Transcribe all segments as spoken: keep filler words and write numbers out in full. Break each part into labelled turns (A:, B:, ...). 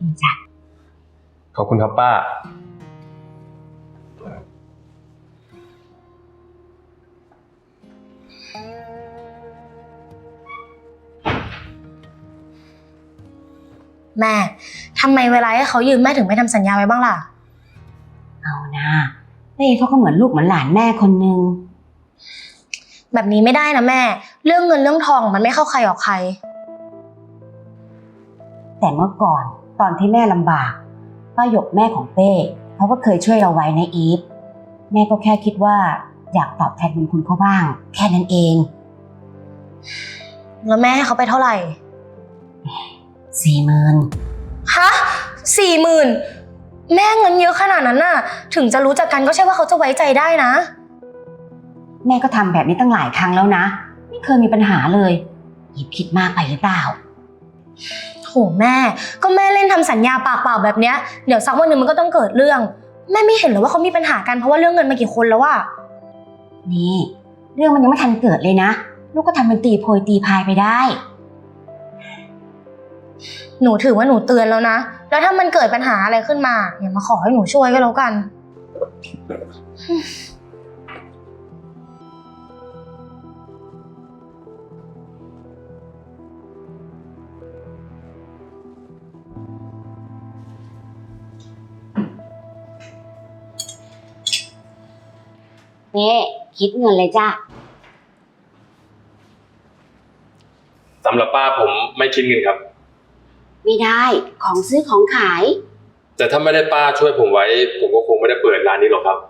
A: จ้ะ
B: ขอบคุณครับป้า
C: แม่ทำไมเวลาให้เขายืมแม่ถึงไม่ทำสัญญาไว้บ้างล่ะ
A: เอานะเป้เขาก็เหมือนลูกเหมือนหลานแม่คนนึง
C: แบบนี้ไม่ได้นะแม่เรื่องเงินเรื่องทองมันไม่เข้าใครออกใคร
A: แต่เมื่อก่อนตอนที่แม่ลำบากป้าหยกแม่ของเป้เขาก็เคยช่วยเราไว้นะอีฟแม่ก็แค่คิดว่าอยากตอบแทนบุญคุณเขาบ้างแค่นั้นเอง
C: แล้วแม่ให้เขาไปเท่าไหร่
A: สี่หมื่น
C: ฮะสี่หมื่นแม่เงินเยอะขนาดนั้นน่ะถึงจะรู้จักกันก็ใช่ว่าเขาจะไว้ใจได้นะ
A: แม่ก็ทำแบบนี้ตั้งหลายครั้งแล้วนะไม่เคยมีปัญหาเลยอีฟคิดมากไปหรือเปล่า
C: โถแม่ก็แม่เล่นทำสัญญาปากเปล่าแบบเนี้ยเดี๋ยวสักวันหนึ่งมันก็ต้องเกิดเรื่องแม่ไม่เห็นหรอว่าเขามีปัญหากันเพราะว่าเรื่องเงินมากี่คนแล้วอะ
A: นี่เรื่องมันยังไม่ทันเกิดเลยนะลูกก็ทำเป็นตีโพยตีพายไปได้
C: หนูถือว่าหนูเตือนแล้วนะแล้วถ้ามันเกิดปัญหาอะไรขึ้นมาอย่ามาขอให้หนูช่วยก็แล้วกัน
A: นี่คิดเงินเลยจ้ะ
B: สำหรับป้าผมไม่คิดเงินครับ
A: ไม่ได้ของซื้อของขาย
B: แต่ถ้าไม่ได้ป้าช่วยผมไว้ผมก็คงไม่ได้เปิดร้านนี้หรอกครับ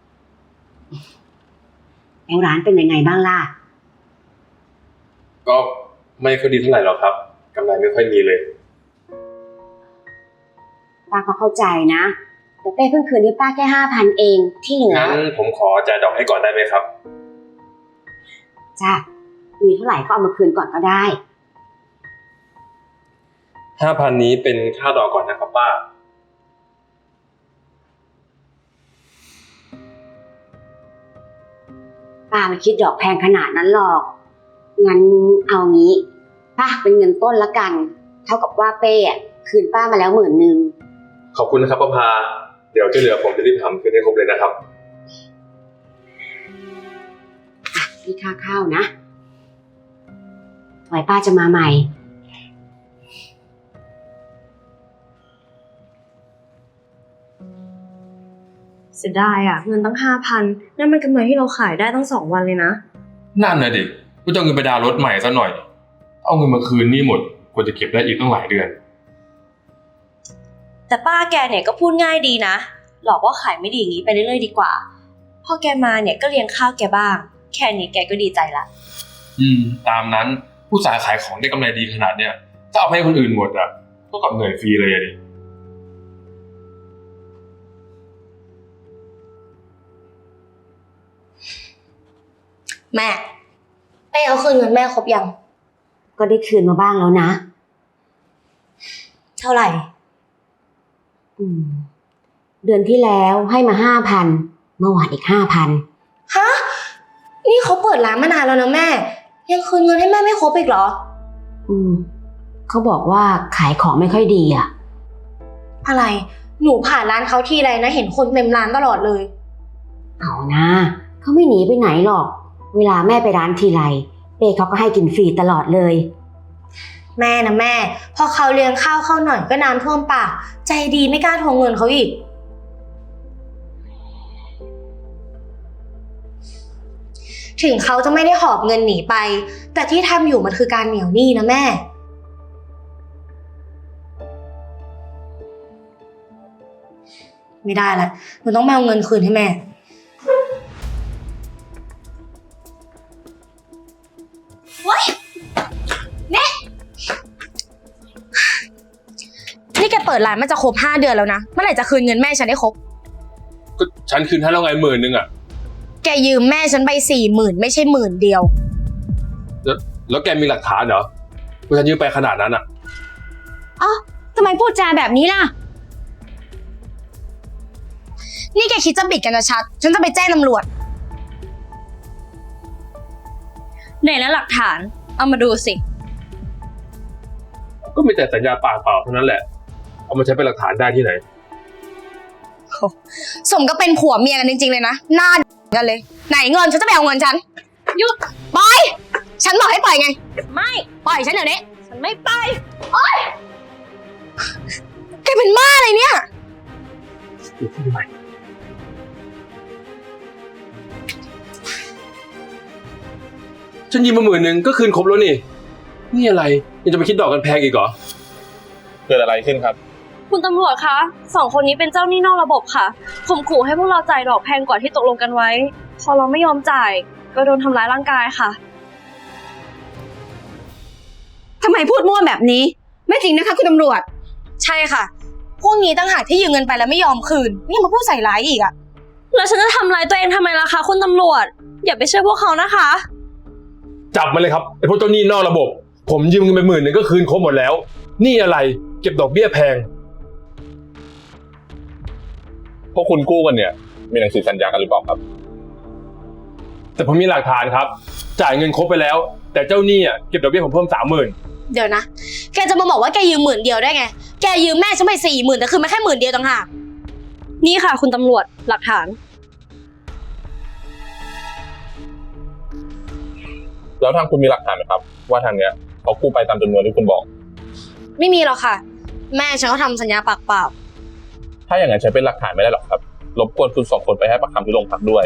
A: แล้วร้านเป็นยังไงบ้างล่ะ
B: ก็ไม่ค่อยดีเท่าไหร่หรอกครับกำไรไม่ค่อยมีเลย
A: ป้าก็เข้าใจนะแต่เป้เพิ่งคืนให้ป้าแค่ห้าพันเองที่เหลือ
B: งั้นผมขอจ่ายดอกให้ก่อนได้ไหมครับ
A: จ้ะมีเท่าไหร่ก็เอามาคืนก่อนก็ได้
B: ห้าพันนี้เป็นค่าดอกก่อนนะครับป้า
A: ป้าไม่คิดดอกแพงขนาดนั้นหรอกงั้นเอางี้ป้าเป็นเงินต้นละกันเท่ากับว่าเป้อ่ะคืนป้ามาแล้วหมื่นนึง
B: ขอบคุณนะครับป้าพาเดี๋ยวที่เหลือผมจะรีบทำคืนให้ครบเลยนะครับ
A: อ่ะนี่ค่าข้าวนะไว้ป้าจะมาใหม่
C: เสียดายอ่ะเงินตั้งห้าพันนั่นมันกำไรที่เราขายได้ตั้งสองวันเลยนะ
B: นั่นน่ะดิก็จะเอาเงินไปดาวน์รถใหม่ซะหน่อยเอาเงินมาคืนนี่หมดควรจะเก็บได้อีกตั้งหลายเดือน
D: แต่ป้าแกเนี่ยก็พูดง่ายดีนะหลอกว่าขายไม่ดีอย่างนี้ไปเรื่อยๆดีกว่าพอแกมาเนี่ยก็เลี้ยงข้าวแกบ้างแค่นี้แกก็ดีใจละ
B: อืมตามนั้นผู้สายขายของได้กำไรดีขนาดเนี้ยถ้าเอาให้คนอื่นหมดอ่ะก็กลับเหนื่อยฟรีเลยดิ
C: แม่เป้เอาคืนเงินแม่ครบยัง
A: ก็ได้คืนมาบ้างแล้วนะ
C: เท่าไหร่
A: อืมเดือนที่แล้วให้มาห้าพันเมื่อวานอีกห้าพัน
C: ฮะนี่เขาเปิดร้านมานานแล้วนะแม่ยังคืนเงินให้แม่ไม่ครบอีกเหรอ
A: อืมเขาบอกว่าขายของไม่ค่อยดีอ่ะ
C: อะไรหนูผ่านร้านเขาทีไรนะเห็นคนเต็มร้านตลอดเลย
A: เอานะเขาไม่หนีไปไหนหรอกเวลาแม่ไปร้านทีไรเป้เขาก็ให้กินฟรีตลอดเลย
C: แม่นะแม่พอเขาเลี้ยงข้าวเข้าหน่อยก็น้ำท่วมปากใจดีไม่กล้าทวงเงินเขาอีกถึงเขาจะไม่ได้หอบเงินหนีไปแต่ที่ทำอยู่มันคือการเหนียวหนี้นะแม่ไม่ได้ละหนูต้องมาเอาเงินคืนให้แม่ว้ายเน่นี่แกเปิดร้านมันจะครบห้าเดือนแล้วนะเมื่อไหร่จะคืนเงินแม่ฉันได้ครบ
B: ก็ฉันคืนให้แล้วไงหมื่นนึงอ่ะ
C: แกยืมแม่ฉันไปสี่หมื่นไม่ใช่หมื่นเดียว
B: แล้วแล้วแกมีหลักฐานเหรอว่าฉันยืมไปขนาดนั้นอ่ะ
D: อ๋อทำไมพูดจาแบบนี้ล่ะ
C: นี่แกคิดจะบิดกันชัดฉันจะไปแจ้งตำรวจ
D: ไหนแล้วหลักฐานเอามาดูสิ
B: ก็มีแต่สัญญาปากเปล่าเท่านั้นแหละเอามาใช้เป็นหลักฐานได้ที่ไหน
C: สมก็เป็นผัวเมียกันจริงๆเลยนะหน้ากันเลย ไหนเงินฉันจะไปเอาเงินฉันหยุดปล่อยฉันบอกให้ปล่อยไงไม่ปล่อยฉันเดี๋ยวนี้ฉันไม่ไปโอ๊ยแกเป็นบ้าอะไรเนี่ย
B: ฉันยืมมาหมื่นหนึ่งก็คืนครบแล้วนี่ นี่อะไรยังจะไปคิดดอกกันแพงอีกเหรอ
E: เกิดอะไรขึ้นครับ
D: คุณตำรวจคะสองคนนี้เป็นเจ้าหนี้นอกระบบค่ะข่มขู่ให้พวกเราจ่ายดอกแพงกว่าที่ตกลงกันไว้ พอเราไม่ยอมจ่าย ก็โดนทำร้ายร่างกายค่ะ
A: ทำไมพูดมั่วแบบนี้ ไม่จริงนะคะคุณตำรวจ
C: ใช่ค่ะ พวกนี้ตั้งหากที่ยืมเงินไปแล้วไม่ยอมคืนนี่มาพูดใส่ร้ายอีกอะ
D: แล้วฉันจะทำร้ายตัวเองทำไมล่ะคะคุณตำรวจ อย่าไปเชื่อพวกเขานะคะ
B: จับมาเลยครับไอ้พวกเจ้าหนี้นอกระบบ ผมยืมเงินไปหมื่นหนึ่งก็คืนครบหมดแล้ว นี่อะไรเก็บดอกเบี้ยแพง
E: พวกคุณกู้กันเนี่ย มีหนังสือสัญญากันหรือเปล่าครับ
B: แต่ผมมีหลักฐานครับ จ่ายเงินครบไปแล้ว แต่เจ้าหนี้อ่ะเก็บดอกเบี้ยผมเพิ่มสามหมื่น
C: เดี๋ยวนะแกจะมาบอกว่าแกยืมหมื่นเดียวได้ไงแกยืมแม่ฉันไปสี่หมื่นแต่คือมาแค่หมื่นเดียวต่างหาก
D: นี่ค่ะคุณตำรวจหลักฐาน
E: แล้วทางคุณมีหลักฐานไหมครับ ว่าทางเนี้ยเขากู้ไปตามจำนวนที่คุณบอก
C: ไม่มีหรอกค่ะ แม่ฉันก็ทำสัญญาปากเปล่า
E: ถ้าอย่างนั้นใช้เป็นหลักฐานไม่ได้หรอกครับ รบกวนคุณสองคนไปให้ปากคำที่โรงพักด้วย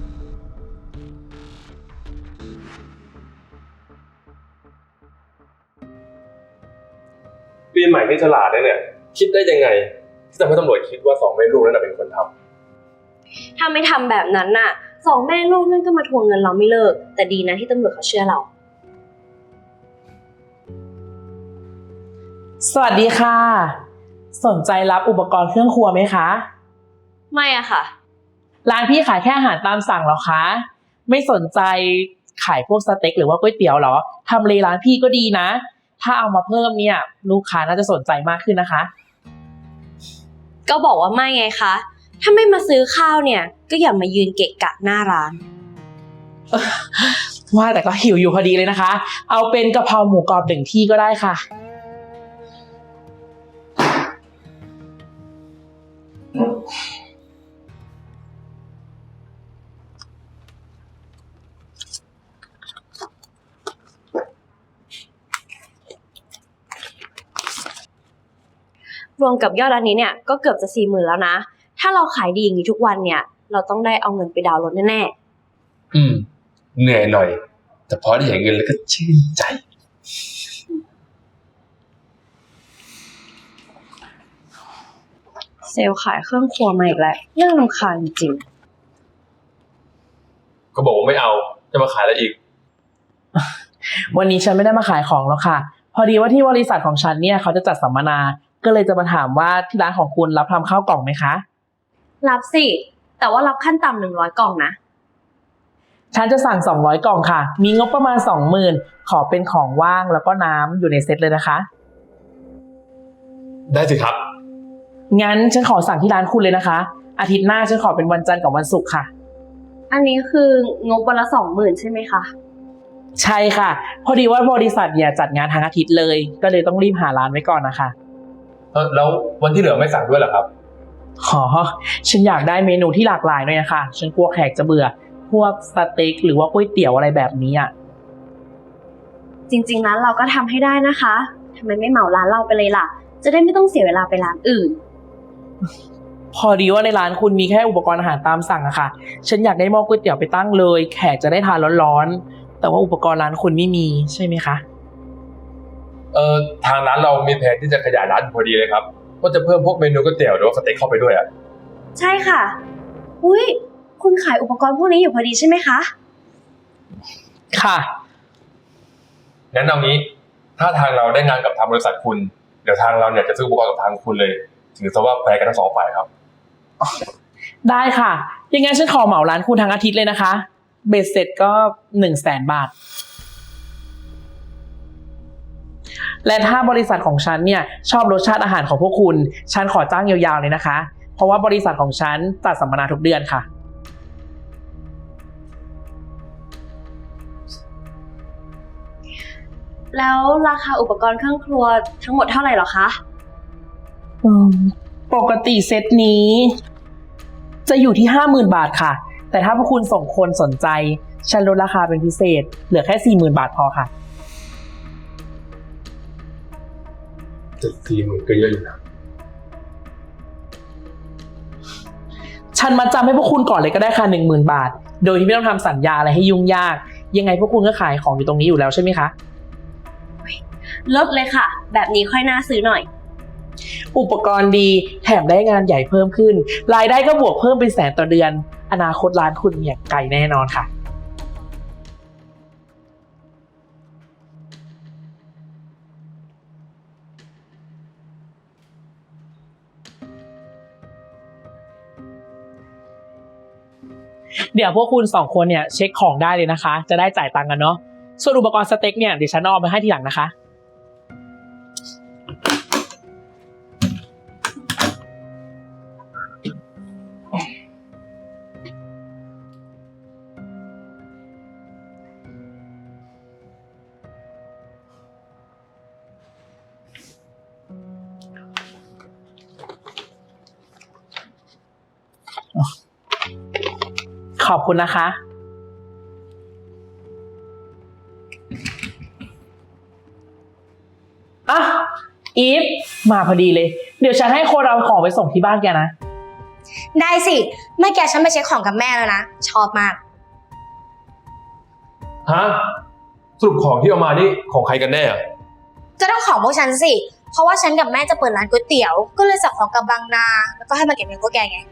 B: ปีใหม่ที่ฉลาดเนี่ย คิดได้ยังไงที่ทำให้ตำรวจคิดว่าสองแม่ลูกนั่นเป็นคนทำ
D: ถ้าไม่ทำแบบนั้นน่ะสองแม่ลูกนั่นก็มาทวงเงินเราไม่เลิก แต่ดีนะที่ตำรวจเขาเชื่อเรา
F: สวัสดีค่ะ สนใจรับอุปกรณ์เครื่องครัวไหมคะ
D: ไม่อะค่ะ
F: ร้านพี่ขายแค่อาหารตามสั่งเหรอคะ ไม่สนใจขายพวกสเต็กหรือว่าก๋วยเตี๋ยวเหรอทำเลร้านพี่ก็ดีนะ ถ้าเอามาเพิ่มเนี่ยลูกค้าน่าจะสนใจมากขึ้นนะคะ
D: ก็บอกว่าไม่ไงคะ ถ้าไม่มาซื้อข้าวเนี่ย ก็อย่ามายืนเกะกะหน้าร้าน
F: ว่าแต่ก็หิวอยู่พอดีเลยนะคะ เอาเป็นกะเพราหมูกรอบหนึ่งที่ก็ได้ค่ะ
D: รวมกับยอดอันนี้เนี่ยก็เกือบจะสี่หมื่นแล้วนะ ถ้าเราขายดีอย่างนี้ทุกวันเนี่ย เราต้องได้เอาเงินไปดาวน์รถแน่
B: อืม เหนื่อยหน่อย แต่พอได้เห็นเงินแล้วก็ชื่นใจ
D: ๆ เซลล์ขายเครื่องครัวมาอีกแล้วน่ารำคาญจริง
B: ก็บอกว่าไม่เอาจะมาขายอะไรอีก
F: วันนี้ฉันไม่ได้มาขายของแล้วค่ะ พอดีว่าที่บริษัทของฉันเนี่ยเขาจะจัดสัมมนา ก็เลยจะมาถามว่าที่ร้านของคุณรับทำข้าวกล่องไหมคะ
D: รับสิ แต่ว่ารับขั้นต่ำหนึ่งร้อยกล่องนะ
F: ฉันจะสั่งสองร้อยกล่องค่ะ มีงบประมาณ สองหมื่น ขอเป็นของว่างแล้วก็น้ำอยู่ในเซตเลยนะคะ
B: ได้สิครับ
F: งั้นฉันขอสั่งที่ร้านคุณเลยนะคะ อาทิตย์หน้าฉันขอเป็นวันจันทร์กับวันศุกร์ค่ะ
D: อันนี้คืองบวันละสองหมื่นใช่ไหมคะ
F: ใช่ค่ะ พอดีว่าบริษัทเนี่ยจัดงานทั้งอาทิตย์เลย ก็เลยต้องรีบหาร้านไว้ก่อนนะคะ
B: เออแล้ววันที่เหลือไม่สั่งด้วยเหรอครับ
F: ขอฉันอยากได้เมนูที่หลากหลายหน่อยนะคะ ฉันกลัวแขกจะเบื่อ พวกสเต็กหรือว่าก๋วยเตี๋ยวอะไรแบบนี้อ่ะ
D: จริงๆร้านเราก็ทำให้ได้นะคะทำไมไม่เหมาร้านเราไปเลยล่ะ จะได้ไม่ต้องเสียเวลาไปร้านอื่น
F: พอดีว่าในร้านคุณมีแค่อุปกรณ์อาหารตามสั่งอะค่ะ ฉันอยากได้หม้อก๋วยเตี๋ยวไปตั้งเลย แขกจะได้ทานร้อนๆ แต่ว่าอุปกรณ์ร้านคุณไม่มีใช่ไหมคะ
B: เออทางร้านเรามีแผนที่จะขยายร้านอยู่พอดีเลยครับว่าจะเพิ่มพวกเมนูก๋วยเตี๋ยวหรือว่าสเต็กเข้าไปด้วยอ่ะ
D: ใช่ค่ะ อุ้ยคุณขายอุปกรณ์พวกนี้อยู่พอดีใช่ไหมคะ
F: ค่ะ
B: งั้นเอางี้ ถ้าทางเราได้งานกับทางบริษัทคุณ เดี๋ยวทางเราเนี่ยจะซื้ออุปกรณ์กับทางคุณเลย ถือซะว่าแฟร์กันทั้งสองฝ่ายครับ
F: ได้ค่ะ ยังไงฉันขอเหมาร้านคุณทั้งอาทิตย์เลยนะคะ เบ็ดเสร็จก็หนึ่งแสนบาท และถ้าบริษัทของฉันเนี่ยชอบรสชาติอาหารของพวกคุณ ฉันขอจ้างยาวๆเลยนะคะ เพราะว่าบริษัทของฉันจัดสัมมนาทุกเดือนค่ะ
D: แล้วราคาอุปกรณ์เครื่องครัวทั้งหมดเท่าไหร่หรอคะ
F: อืมปกติเซตนี้ จะอยู่ที่ห้าหมื่นบาทค่ะ แต่ถ้าพวกคุณส่งคนสนใจฉันลดราคาเป็นพิเศษ เหลือแค่สี่หมื่นบาทพอค่ะ
B: เจ็ดสี่หมื่นก็เยอะอยู่นะ
F: ฉันมาจำให้พวกคุณก่อนเลยก็ได้ค่ะหนึ่งหมื่นบาท โดยที่ไม่ต้องทำสัญญาอะไรให้ยุ่งยาก ยังไงพวกคุณก็ขายของอยู่ตรงนี้อยู่แล้วใช่ไหมคะ
D: ลดเลยค่ะ แบบนี้ค่อยน่าซื้อหน่อย
F: อุปกรณ์ดีแถมได้งานใหญ่เพิ่มขึ้น รายได้ก็บวกเพิ่มเป็นแสนต่อเดือน อนาคตร้านคุณเนี่ยไกลแน่นอนค่ะ เดี๋ยวพวกคุณสองคนเนี่ยเช็คของได้เลยนะคะ จะได้จ่ายตังค์กันเนาะส่วนอุปกรณ์สเต็กเนี่ยเดี๋ยวฉันเอาไปให้ทีหลังนะคะ ขอบคุณนะคะ อ่ะ อีฟ มาพอดีเลย เดี๋ยวฉันให้คนเอาของไปส่งที่บ้านแกนะ
C: ได้สิเมื่อกี้ฉันไปเช็คของกับแม่แล้วนะ ชอบมาก
B: ฮะ สรุปของที่เอามานี่ของใครกันแน่อะ
C: จะต้องของพวกฉันสิ เพราะว่าฉันกับแม่จะเปิดร้านก๋วยเตี๋ยว ก็เลยสั่งของกับบางนา แล้วก็ให้มาเก็บเงินพวกแกไง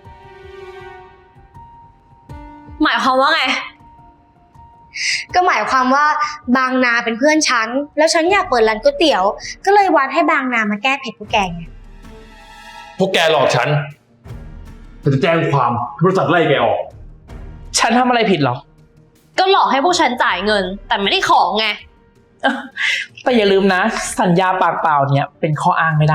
D: หมายความว่าไง
C: ก็หมายความว่าบางนาเป็นเพื่อนฉัน แล้วฉันอยากเปิดร้านก๋วยเตี๋ยว ก็เลยวัดให้บางนามาแก้เผ็ดพวกแกไง
B: พวกแกหลอกฉันฉันจะแจ้งความบริษัทไล่แกออก
F: ฉันทำอะไรผิดหรอ
D: ก็หลอกให้พวกฉันจ่ายเงิน แต่ไม่ได้ของไง
F: แต่อย่าลืมนะ สัญญาปากเปล่าเนี่ยเป็นข้ออ้างไม่ได้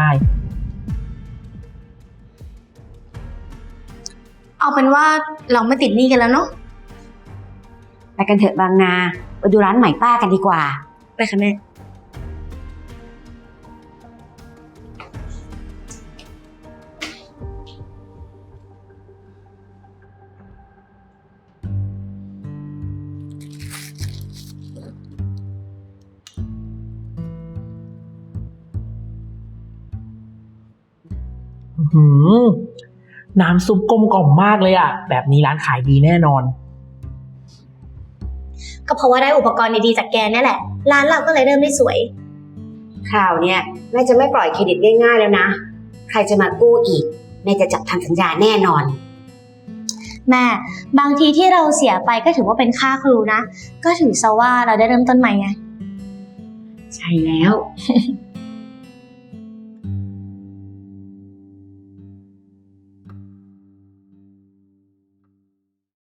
C: เอาเป็นว่าเราไม่ติดหนี้กันแล้วเนาะ
A: ไปกันเถอะบางนาไปดูร้านใหม่ป้ากันดีกว่า
C: ไปค่ะแม่
F: หืมน้ำซุปกลมกล่อมมากเลยอะแบบนี้ร้านขายดีแน่นอน
C: ก็เพราะว่าได้อุปกรณ์ดีๆจากแกนี่แหละ ร้านเราก็เลยเริ่มได้สวย
A: คราวเนี้ยแม่จะไม่ปล่อยเครดิตง่ายๆแล้วนะ ใครจะมากู้อีกแม่จะจับทำสัญญาแน่นอน
C: แม่ บางทีที่เราเสียไปก็ถือว่าเป็นค่าครูนะ ก็ถือซะว่าเราได้เริ่มต้นใหม่ไง
A: ใช่แล้ว